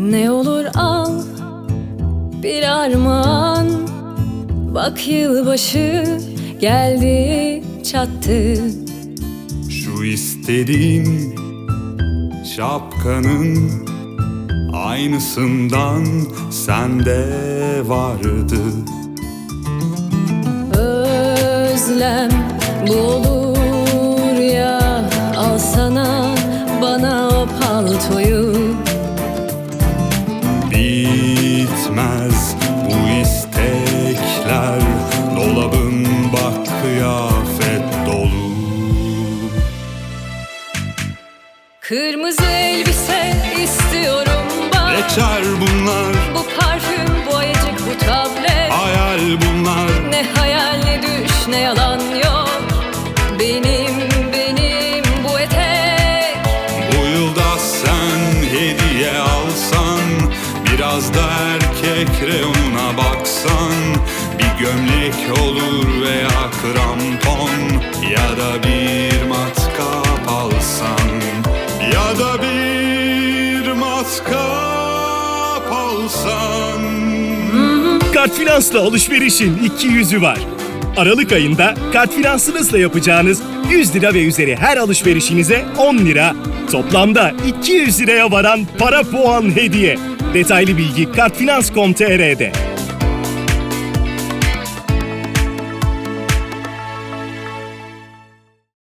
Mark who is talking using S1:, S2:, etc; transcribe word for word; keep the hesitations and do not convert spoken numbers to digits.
S1: Ne olur al bir armağan, bak yılbaşı geldi çattı.
S2: Şu istediğim şapkanın aynısından sende vardı.
S1: Özlem bu olur ya, alsana bana o paltoyu.
S2: Bitmez bu istekler, dolabın bak kıyafet dolu.
S1: Kırmızı elbise istiyorum bak.
S2: Geçer bunlar,
S1: Bu parfüm, bu ayıcık, bu tablet.
S2: hayal bunlar.
S1: Ne hayal ne düş ne yalan yok. Benim benim bu etek.
S2: Bu yılda sen hediye alsan, biraz da erkek reyonuna baksan, bir gömlek olur veya krampon, ya da bir matkap alsan, ya da bir matkap alsan.
S3: Kartfinans'la alışverişin iki yüzü var. Aralık ayında kartfinansınızla yapacağınız yüz lira ve üzeri her alışverişinize on lira, toplamda iki yüz liraya varan para puan hediye. Detaylı bilgi kartfinans nokta com nokta tr'de.